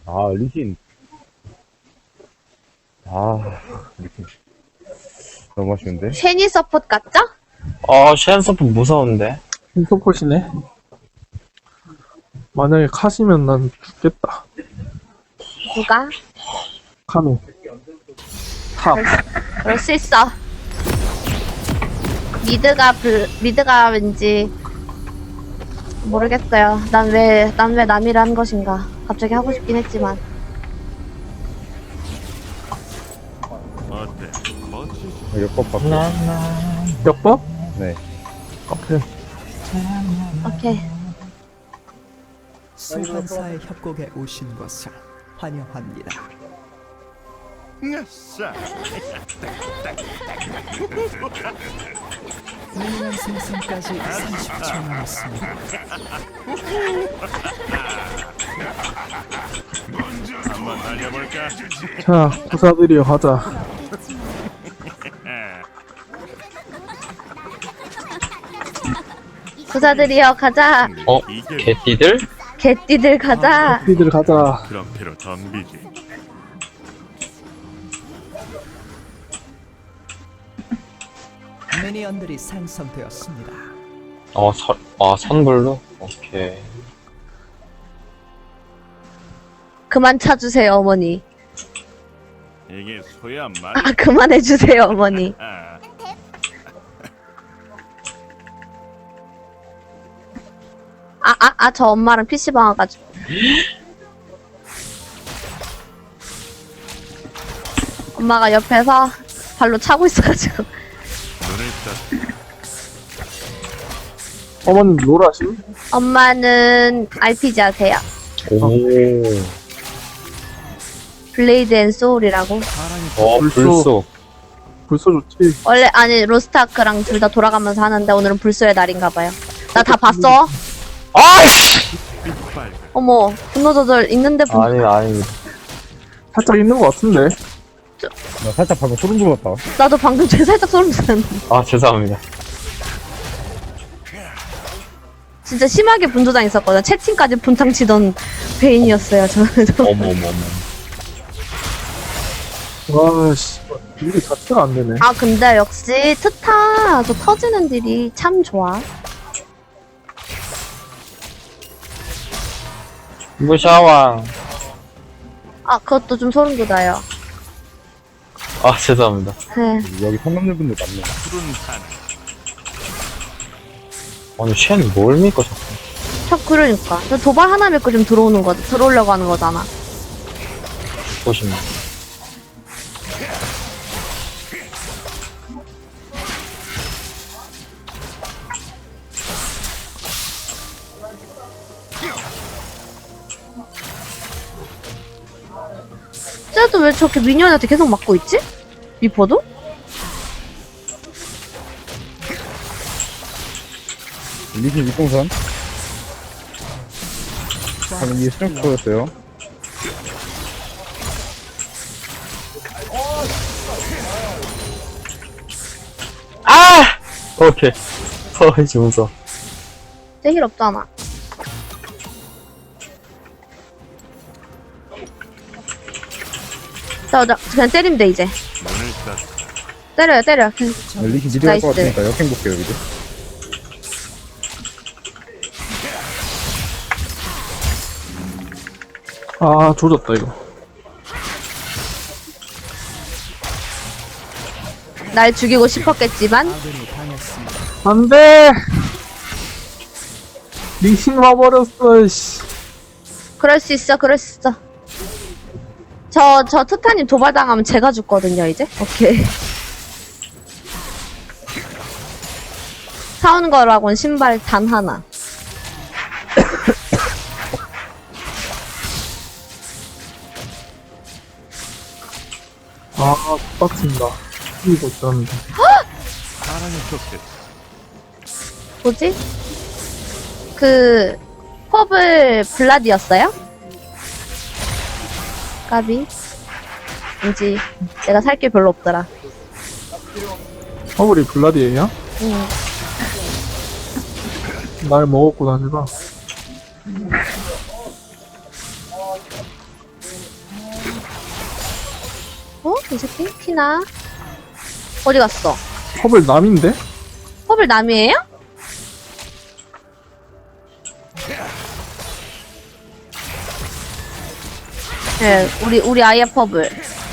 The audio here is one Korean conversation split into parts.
아, 리신. 아, 리신. 너무 아쉬운데? 쉐니 서폿 같죠? 쉔서프 무서운데? 흰소포시네. 만약에 카시면 난 죽겠다. 누가? 카노. 탑. 그럴 수 있어. 미드가 왠지 모르겠어요. 난 왜 남이를 한 것인가. 갑자기 하고 싶긴 했지만. 역법 받고. 역법? 네. 오케이. 오케이. 소환사의 협곡에 오신 것을 환영합니다. 미니언 생성까지 30초 남았습니다. 자, 부사들이여 가자. 부사들이여 가자. 개띠들? 개띠들 가자. 니들 가자. 그런 패로 덤비지. 미니언들이 생성되었습니다. 선불로? 오케이. 그만 차주세요 어머니. 이게 소야 말. 아 그만해주세요 어머니. 저 엄마랑 PC방 와가지고. 엄마가 옆에서 발로 차고 있어가지고. 눈을 떴. 어머님 롤하심? 엄마는 RPG 하세요. 오. 블레이드 앤 소울이라고. 불소. 불소 좋지. 원래 아니 로스트아크랑 둘 다 돌아가면서 하는데 오늘은 불소의 날인가봐요. 나 다 봤어. 아이씨! 어머 분노 조절 있는데 아니. 살짝 있는 것 같은데. 나 살짝 방금 소름 돋았다. 나도 방금 제 살짝 소름 돋았는데. 죄송합니다. 진짜 심하게 분조장 있었거든. 채팅까지 분탕 치던 베인이었어요 저는. 어머머머. 와, 씨. 일이 자체가 안 되네. 아 근데 역시 트타 저 터지는 딜이 참 좋아. 무샤왕. 아 그것도 좀 소름 돋아요. 죄송합니다. 네. 여기 상남자분들 많네. 푸른 산. 아니, 쉔 뭘 믿고 자꾸. 그러니까 저 도발 하나 믿고 좀 들어오려고 하는 거잖아. 보시면. 쟤도 왜 저렇게 미니언한테 계속 맞고 있지? 미포도? 리신 윗동선. 방금 이게 스트레스 보였어요. 오케이. 이제 무서워. 쟤 힐 없잖아. 나 그냥 때리면 돼 이제. 눈을 떴. 때려. 그냥. 리신 미드 갈 것 나이스. 같으니까 역행 볼게요, 이제. 아, 조졌다, 이거. 날 죽이고 싶었겠지만 아군이 당했습니다. 안 돼! 리신 와버렸어, 씨. 그럴 수 있어. 저 트타님 도발당하면 제가 죽거든요 이제. 오케이. 사온 거라곤 신발 단 하나. 아, 빡친다. 이거 있었는데. 사랑의 쫓듯. 뭐지? 그 퍼블 블라디였어요? 까비. 왠지 내가 살 게 별로 없더라. 허블이 블라디에이야? 응. 날 먹었구나, 제가. 이 새끼? 티나? 어디 갔어? 컵을 남인데? 퍼블 남이에요? 네, 우리 아이의 퍼블.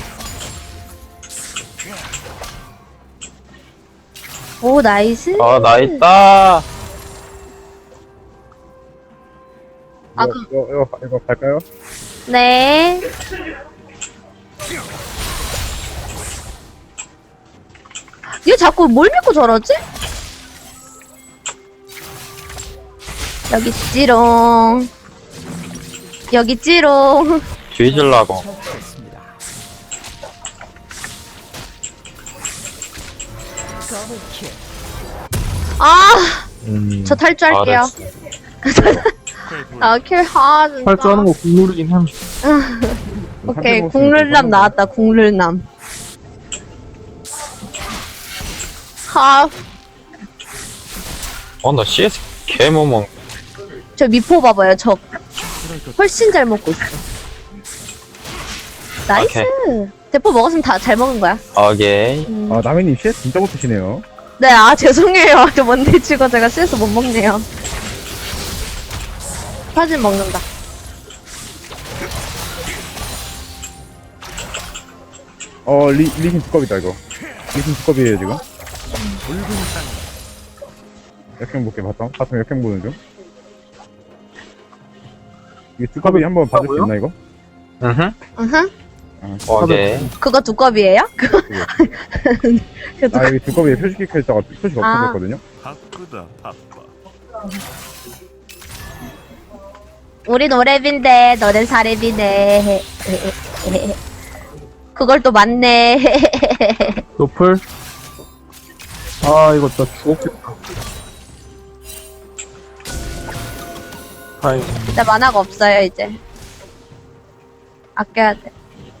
오, 나이스. 나 있다. 아, 이거 갈까요? 네. 얘 자꾸 뭘 믿고 저러지? 여기 있지롱. 여기 있지롱. 뒤질라고. 처치했습니다. 더블킬. 아, 저 탈주할게요. 잘했어. 아, 킬, 아, 진짜. 할 줄 아는 거 국룰이긴 함. 오케이, 국룰남 나왔다, 국룰남. 하, 나 CS 개 못 먹. 저 미포 봐봐요, 저. 훨씬 잘 먹고 있어. 나이스. 대포 먹었으면 다 잘 먹은 거야. 오케이. 아, 남해님 CS 진짜 못하시네요. 네, 아, 죄송해요. 저 뭔데 치고 제가 CS 못 먹네요. 사진 먹는다. 리신 두껍이다, 이거. 리신 두껍이에요, 지금. 역행 볼게, 바텀 역행 보는 중. 이게 두껍이 한번 봐줄 수 있나, 이거? 으흠. 으흠. 오케이. 그거 두꺼비예요? 아, 여기 두꺼비에 표식이 켜있다가 표식 없어졌거든요? 바쁘다 바빠. 우린 오랩인데 너넨 사랩이네. 그걸 또 맞네. 노플. 아, 이거 나 죽었겠다. 다행. 나 만화가 없어요 이제. 아껴야 돼.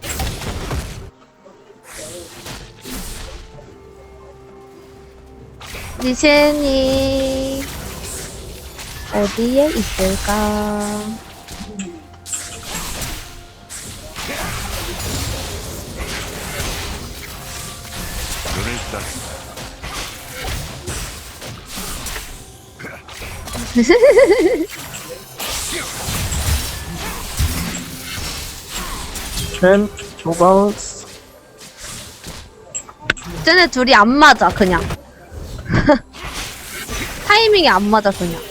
리신이 어디에 있을까? 눈을 딱 첸, 조바우스. 쟤네 둘이 안 맞아 그냥. 타이밍이 안 맞아 그냥.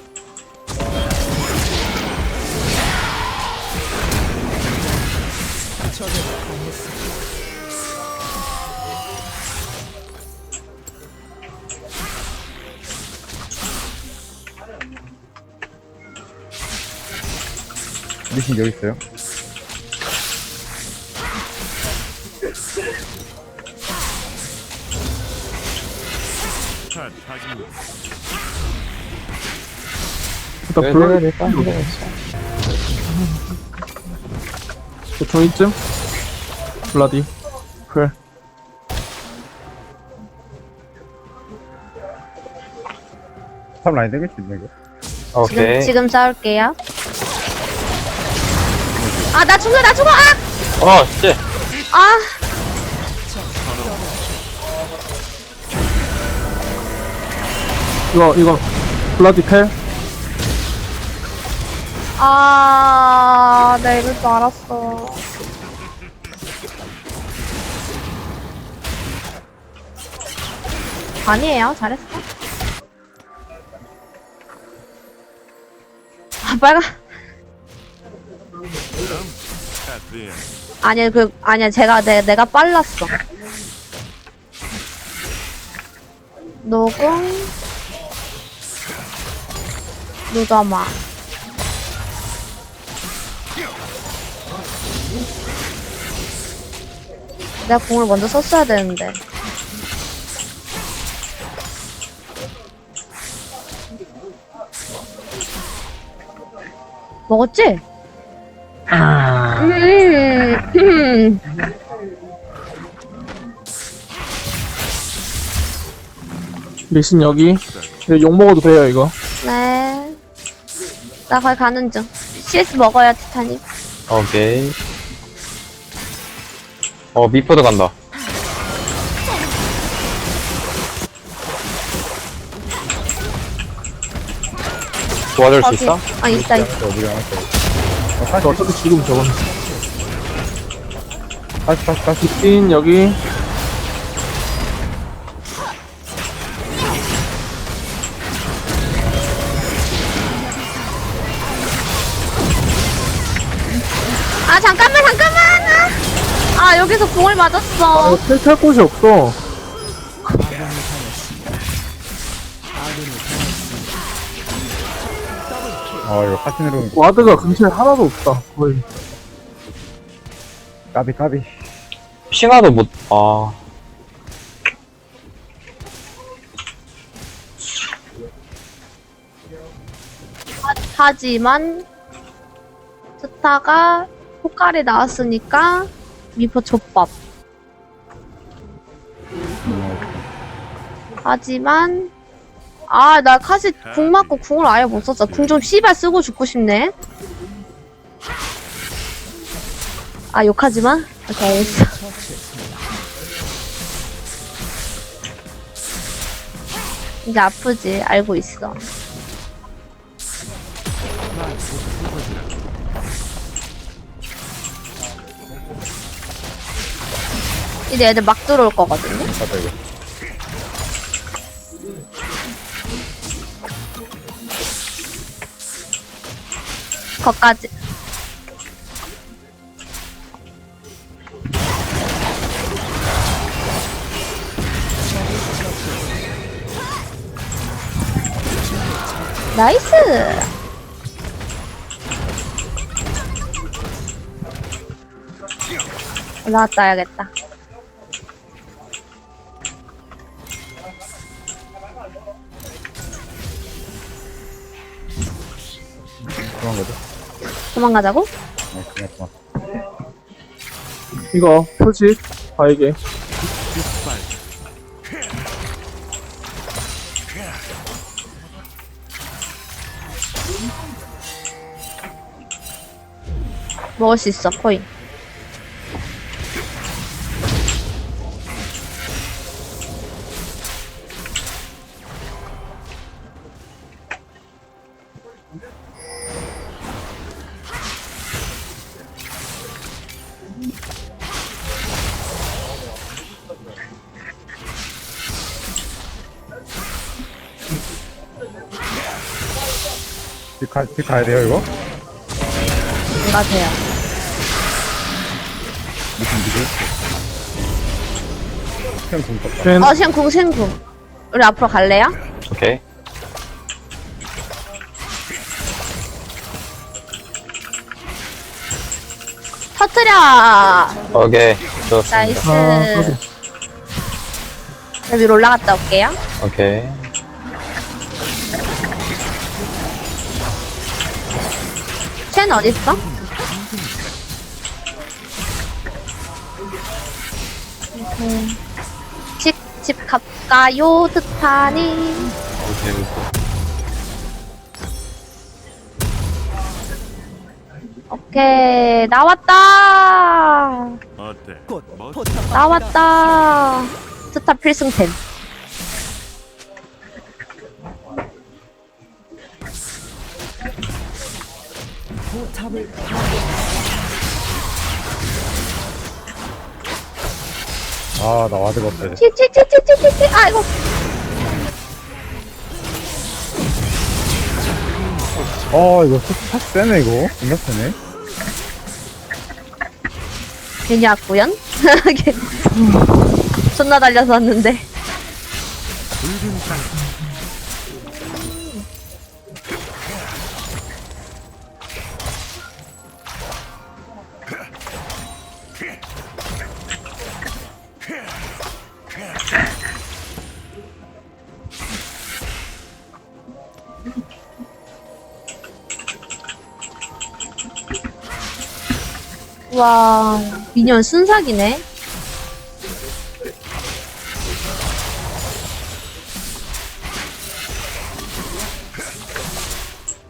리신 여기 있어요. 차 타긴 일단 블라디. 보통 이쯤? 블라디. 그래. 탑 라인 땡길 수 있나, 이거? 오케이. 지금 싸울게요. 아, 나 죽어, 나 죽어! 씨. 아! 이거, 블라디 펠. 아, 나 이럴 줄 알았어. 아니에요, 잘했어. 아, 빨간. 카드야. 아니야, 아니야, 내가 빨랐어. 녹음. 누더마. 내가 공을 먼저 썼어야 되는데. 먹었지? 리신 여기. 이거 욕 먹어도 돼요, 이거. 네. 나 거기 가는 중. CS 먹어요, 티타님. 오케이. 미포도 간다. 도와줄 수 거기. 있어? 아, 있다. 어디가 나왔어? 저 어차피 지금 저건. 다시. 찐, 여기. 아, 잠깐만. 아, 여기서 공을 맞았어. 텔탈 곳이 없어. 아, 이거 카시네로 와드가 근처에 하나도 없다. 거의. 까비. 핑하도 못, 아. 하지만 스타가 포칼이 나왔으니까 미포 족밥. 하지만 나 카시 궁 맞고 궁을 아예 못 썼어. 궁 좀 씨발 쓰고 죽고 싶네. 욕하지 마. 오케이, 알겠어. 이제 아프지. 알고 있어. 이제 애들 막 들어올 거거든요. 맞아, 이거. 거까지. 나이스. 올라갔다 와야겠다. 도망가자. 도망가자고? 그만. 이거, 표식, 바에게. 먹을 수 있어, 코인. 집 가야 돼요, 이거? 안 가세요. 그냥 돈 떴다. 쉔, 시행궁. 우리 앞으로 갈래요? 오케이. 터트려! 오케이. 좋았습니다. 나이스. 아, 저 위로 올라갔다 올게요. 오케이. 쉔 어딨어? 집 갈까요, 트타니? 오케이. 오케이, 나왔다! 어때? 곧 멋 포탑 나왔다! 스타 필승템. 포탑을 아, 나 와드가 없다. 이제. 치치치치치치, 아이고. 이거 샷 세네, 이거. 존나 세네. 괜히 왔구연? 존나 달려서 왔는데. 와, 미니언 순삭이네.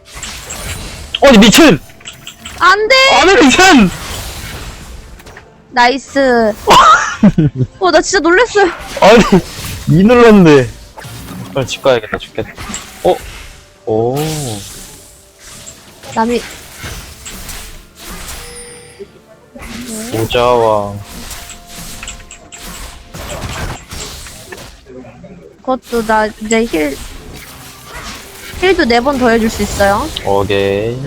미친! 안 돼! 안해, 미친! 나이스. 나 진짜 놀랬어요. 아니, 이 눌렀는데. 빨리 집 가야겠다, 죽겠다. 오. 남이, 모자왕. 그것도 나 이제 힐도 4번 더 해줄 수 있어요. 오케이.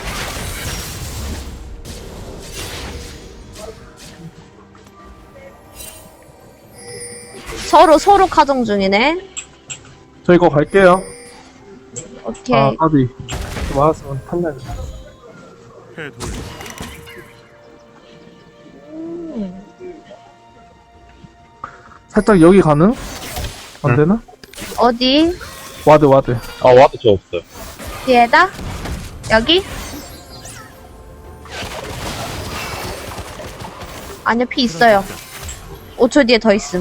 서로 가정 중이네. 저 이거 갈게요. 오케이. 아, 까비. 맞았으면 판단이. 해 돌려. 살짝 여기 가능? 안 되나? 어디? 와드. 아, 와도 저 없어요. 뒤에다? 여기? 아니요, 피 있어요. 5초 뒤에 더 있음.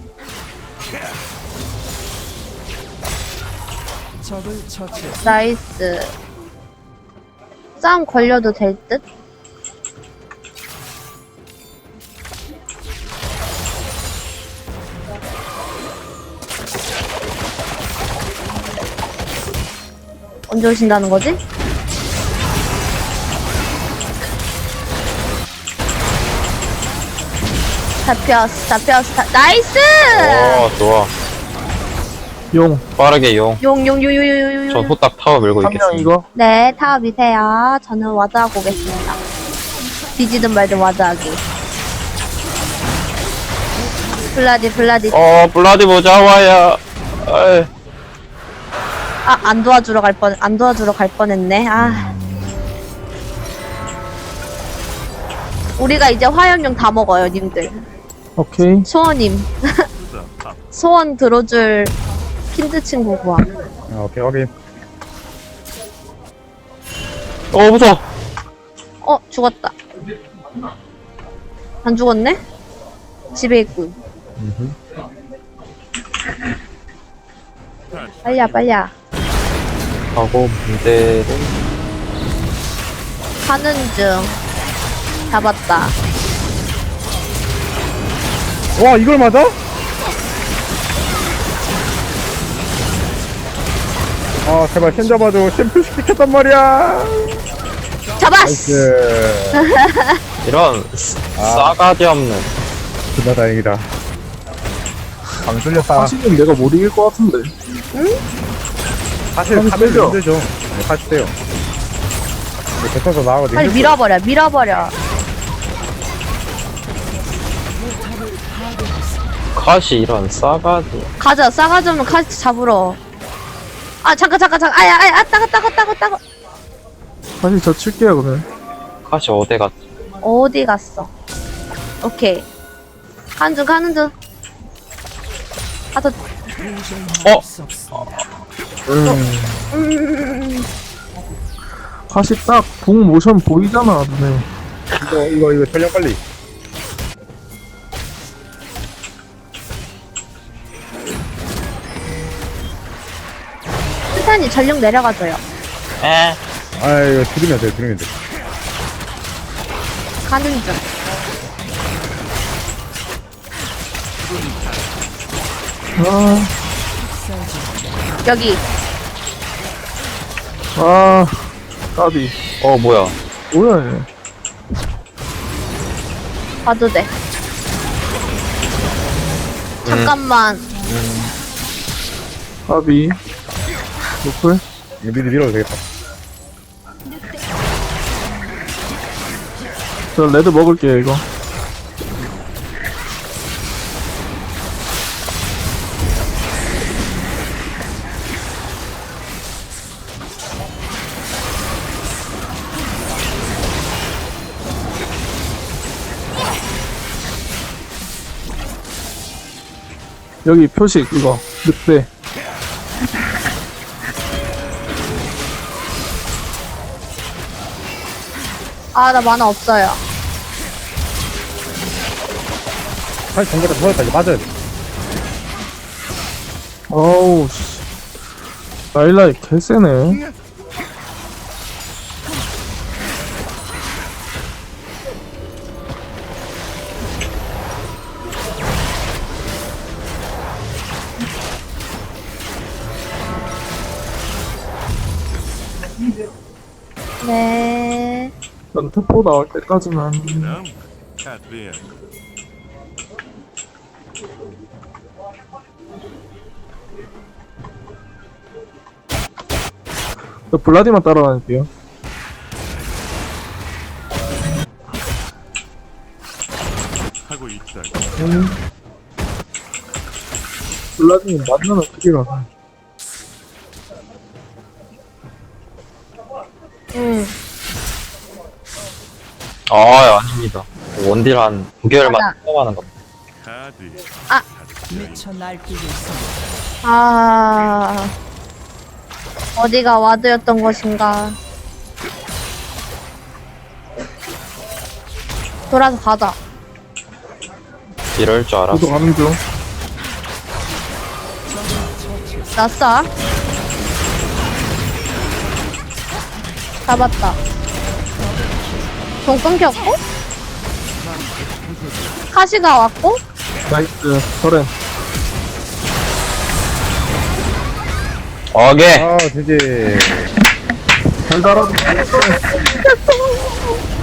적을 처치. 나이스. 싸움 걸려도 될 듯? 언제 오신다는 거지? 잡혔어. 나이스! 오, 좋아. 용. 빠르게 용. 용. 전 후딱 타워 밀고 한 명 있겠습니다. 이거. 네, 타워 미세요. 저는 와드하고 오겠습니다. 뒤지든 말든 와드하기. 블라디. 블라디 모자와야. 아이. 안 도와주러 갈 뻔했네. 우리가 이제 화염용 다 먹어요, 님들. 오케이. 소원님. 크다 바빠. 소원 들어줄 킨드 친구 구함. 오케이, 확인. 무서워. 죽었다. 안 죽었네? 집에 있군. 빨리야. 하고, 문제를. 가는 중. 잡았다. 와, 이걸 맞아? 아, 제발 쉔 잡아줘. 챔프 시켰단 말이야. 잡았어! 나이스. 이런, 싸가지 없는. 진짜 다행이다. 방 뚫렸다. 사실은 내가 못 이길 것 같은데. 사실 방 카멜도 뚫려. 힘들죠. 네, 사실 돼요. 뱉어서 나가거든. 빨리 밀어버려. 카시 이런 싸가지. 가자, 싸가지 없는 카지 잡으러. 잠깐. 따가. 사실 저 칠게요, 그러면. 카시 어디 갔지? 어디 갔어? 오케이. 가는 중. 사실 딱 궁 모션 보이잖아, 눈에. 이거 전력 빨리. 스탄이 전력 내려가줘요. 아, 이거 들으면 돼. 가는 중. 여기. 까비. 뭐야. 뭐야, 얘. 봐도 돼. 잠깐만. 까비. 노플. 이거 미리 밀어도 되겠다. 저 레드 먹을게요, 이거. 여기 표식, 이거. 늑대. 나 만화 없어요. 사실 정보가 터졌다. 이거 맞아야 돼. 어우, 씨. 라일라이 개쎄네. 일단 태포 나올 때까지만. 그다음 카드리안. 저 블라디만 따라다닐게요. 하고 있다. 블라디는 만나면 크기라서. 응. 아, 아닙니다. 원딜 한 9개월만 맞아. 처음 하는 겁니다. 카드. 미쳐 날뛰고 있습니다. 아. 어디가 와드였던 것인가. 돌아서 가자. 이럴 줄 알았어. 저도 가는 중. 났어. 잡았다. 돈 끊겼고? 카시가 왔고? 나이스. 저렌. 오케이. 아, 되게. 달달하다.